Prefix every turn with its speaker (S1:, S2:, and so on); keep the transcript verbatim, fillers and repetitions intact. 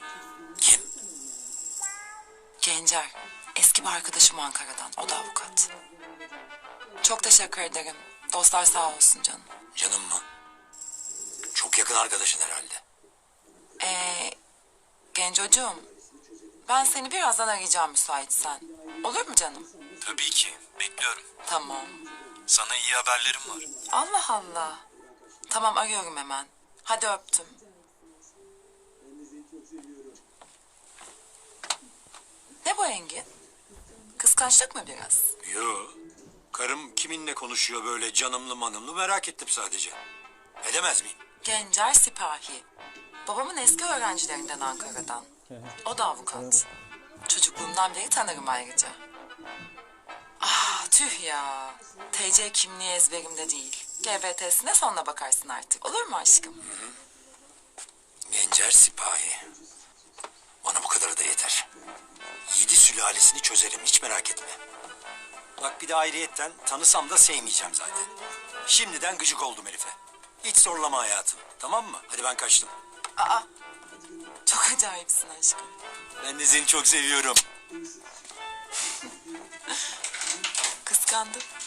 S1: Kim?
S2: Gencer. Eski bir arkadaşım Ankara'dan. O da avukat. Çok teşekkür ederim. Dostlar sağ olsun canım.
S1: Canım mı? Çok yakın arkadaşın herhalde.
S2: Ee, Gencocuğum. Ben seni birazdan arayacağım müsaitsen. Olur mu canım?
S3: Tabii ki. Bekliyorum.
S2: Tamam.
S3: Sana iyi haberlerim var.
S2: Allah Allah. Tamam arıyorum hemen. Hadi öptüm. Ne bu Engin? Kıskançlık mı biraz?
S1: Yo. Karım kiminle konuşuyor böyle canımlı manımlı merak ettim sadece. Edemez miyim?
S2: Gencer Sipahi. Babamın eski öğrencilerinden Ankara'dan. O da avukat. Çocukluğumdan beri tanırım ayrıca. Ah tüh ya. T C kimliği ezberimde değil. G B T'sine sonra bakarsın artık. Olur mu aşkım?
S1: Gencer Sipahi. Bana bu kadarı da yeter. Yedi sülalesini çözerim hiç merak etme. Bak bir de ayrıyetten tanısam da sevmeyeceğim zaten. Şimdiden gıcık oldum herife. Hiç zorlama hayatım. Tamam mı? Hadi ben kaçtım.
S2: Aa. Çok acayipsin aşkım.
S1: Ben de seni çok seviyorum.
S2: Kıskandım.